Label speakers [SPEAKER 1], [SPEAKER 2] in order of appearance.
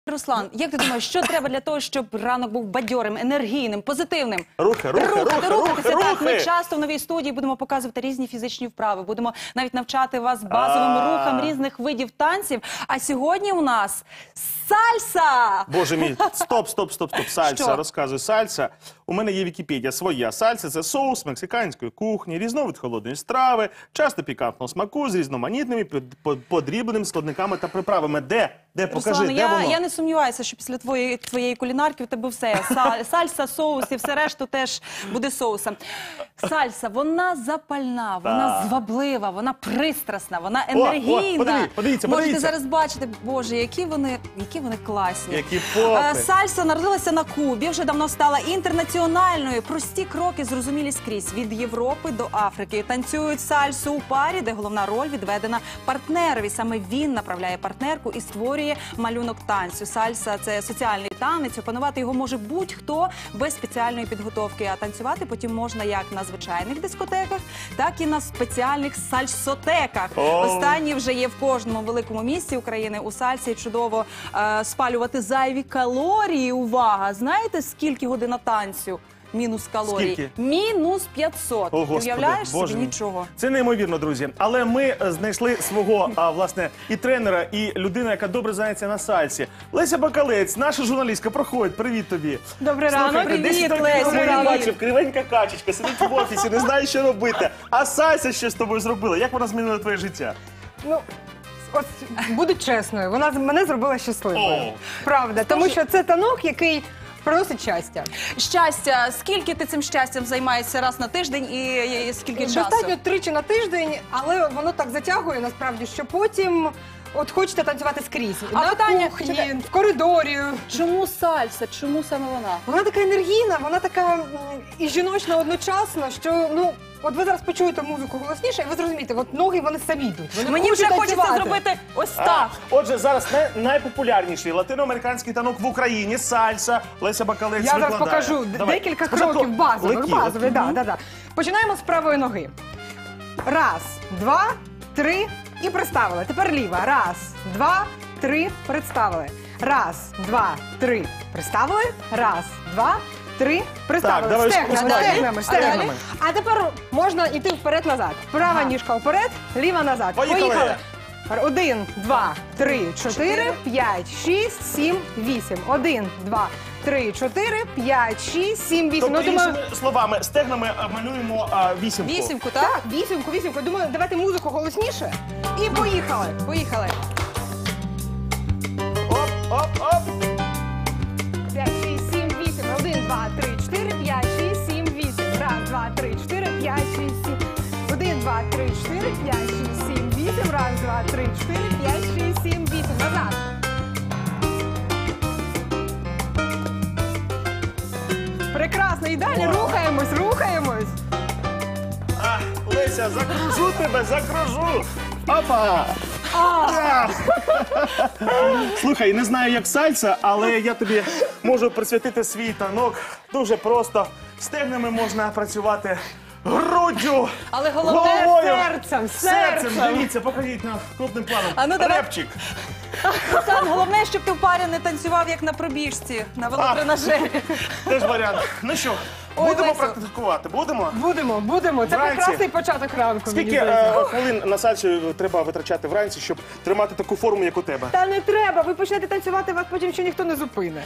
[SPEAKER 1] Руслан, як ти думаєш, що треба для того, щоб ранок був бадьорим, енергійним, позитивним?
[SPEAKER 2] Рухатися.
[SPEAKER 1] Так, ми часто в новій студії будемо показувати різні фізичні вправи, будемо навіть навчати вас базовим рухам різних видів танців. А сьогодні у нас сальса!
[SPEAKER 2] Боже мій, стоп. Сальса,
[SPEAKER 1] Що?
[SPEAKER 2] розказуй. Сальса. У мене є Вікіпедія своя. Сальса – це соус мексиканської кухні, різновид холодної страви, часто пікантного смаку з різноманітними подрібненими складниками та приправами. Де? Покажи,
[SPEAKER 1] Руслан,
[SPEAKER 2] де воно?
[SPEAKER 1] я не сумніваюся, що після твоєї кулінарки у тебе все. Сальса, соус і все решту теж буде соусом. Сальса, вона запальна, вона зваблива, вона пристрасна, вона енергійна.
[SPEAKER 2] Подивіться.
[SPEAKER 1] Можете зараз бачити, боже, які вони класні.
[SPEAKER 2] Які попи.
[SPEAKER 1] Сальса народилася на Кубі, вже давно стала інтернаціональною. Прості кроки зрозумілі скрізь, від Європи до Африки. Танцюють сальсу у парі, де головна роль відведена партнерові. Саме він направляє партнерку і створює малюнок танцю. Сальса – це соціальний танець, опанувати його може будь-хто без спеціальної підготовки. А танцювати потім можна як на звичайних дискотеках, так і на спеціальних сальсотеках. Останні вже є в кожному великому місті України. У сальсі чудово спалювати зайві калорії. Увага! Знаєте, скільки година танцю? Мінус калорій.
[SPEAKER 2] Скільки?
[SPEAKER 1] Мінус 500.
[SPEAKER 2] О, Господи,
[SPEAKER 1] Уявляєш собі?
[SPEAKER 2] Боже мій.
[SPEAKER 1] Нічого.
[SPEAKER 2] Це неймовірно, друзі. Але ми знайшли свого, власне, і тренера, і людину, яка добре знається на сальсі. Леся Бакалець, наша журналістка, проходь, привіт тобі.
[SPEAKER 1] Добрий ранок,
[SPEAKER 2] Привіт,
[SPEAKER 1] Леся.
[SPEAKER 2] Я бачив, кривенька качечка, сидить в офісі, не знає, що робити. А сальса що з тобою зробила? Як вона змінила твоє життя?
[SPEAKER 3] Ну, от буду чесною, вона мене зробила щасливою.
[SPEAKER 2] О.
[SPEAKER 3] Правда, тому що це танок, який приносить щастя.
[SPEAKER 1] Щастя. Скільки ти цим щастям займаєшся раз на тиждень і скільки часу?
[SPEAKER 3] Достатньо тричі на тиждень, але воно так затягує насправді, що потім от хочете танцювати скрізь.
[SPEAKER 1] А
[SPEAKER 3] на
[SPEAKER 1] питання,
[SPEAKER 3] кухні,
[SPEAKER 1] чекай.
[SPEAKER 3] в коридорі.
[SPEAKER 1] Чому сальса? Чому саме вона?
[SPEAKER 3] Вона така енергійна, вона така і жіночна одночасно, що, ну, от ви зараз почуєте музику голосніше, і ви зрозумієте, от ноги вони самі йдуть. Вони
[SPEAKER 1] Мені вже
[SPEAKER 3] хочуть
[SPEAKER 1] хочеться
[SPEAKER 3] танцювати.
[SPEAKER 1] зробити ось так.
[SPEAKER 2] Отже, зараз найпопулярніший латиноамериканський танок в Україні – сальса. Леся Бакалець
[SPEAKER 3] Я зараз
[SPEAKER 2] викладає.
[SPEAKER 3] покажу
[SPEAKER 2] Давай.
[SPEAKER 3] декілька
[SPEAKER 2] Спочатку
[SPEAKER 3] кроків базових.
[SPEAKER 2] легкі.
[SPEAKER 3] Да. Починаємо з правої ноги. Раз, два, три і приставили. Тепер ліва. Раз, два, три, представили. Раз, два, три, приставили. Раз, два, три, приставили.
[SPEAKER 2] Так, давай
[SPEAKER 3] Стегнами.
[SPEAKER 1] далі?
[SPEAKER 3] А тепер можна йти вперед-назад. Права ніжка вперед, ліва назад.
[SPEAKER 2] Поїхали.
[SPEAKER 3] 1, 2, 3, 4, 5, 6, 7, 8. 1, 2, 3, 4, 5, 6, 7, 8.
[SPEAKER 2] Тобто,
[SPEAKER 3] Ну, думаю,
[SPEAKER 2] іншими словами, стегнами малюємо вісімку.
[SPEAKER 1] Вісімку, так?
[SPEAKER 3] вісімку. Думаю, давайте музику голосніше. І поїхали.
[SPEAKER 1] Поїхали.
[SPEAKER 2] Оп.
[SPEAKER 3] 5, 6, 7, 8. 1, 2, 3, 4, 5, 6, 7, 8. Раз, два, три, 4, 5, 6, 7. 1, 2, 3, 4, 5, 6, 7, 8. Раз, два, три, 4, 5, 6, 7, 8. Назад. Прекрасно. І далі рухаємось.
[SPEAKER 2] Леся, закружу тебе, закружу. Опа! Слухай, не знаю, як сальса, але я тобі можу присвятити свій танок. Дуже просто. Стегнами можна працювати, груддю,
[SPEAKER 1] Але головне
[SPEAKER 2] головою,
[SPEAKER 3] серцем.
[SPEAKER 2] Дивіться, покажіть на крупним планом.
[SPEAKER 1] А ну, давай.
[SPEAKER 2] Репчик.
[SPEAKER 1] Руслан, головне, щоб ти в парі не танцював, як на пробіжці, на велотренажері.
[SPEAKER 2] Теж варіант. Ну що,
[SPEAKER 1] Ой,
[SPEAKER 2] будемо
[SPEAKER 1] Лесю.
[SPEAKER 2] практикувати? Будемо?
[SPEAKER 3] Будемо. Це
[SPEAKER 2] Вранці.
[SPEAKER 3] прекрасний початок ранку. мені
[SPEAKER 2] Скільки
[SPEAKER 3] здається.
[SPEAKER 2] хвилин на сальсі треба витрачати вранці, щоб тримати таку форму, як у тебе?
[SPEAKER 3] Та не треба, ви почнете танцювати, вас потім ще ніхто не зупине.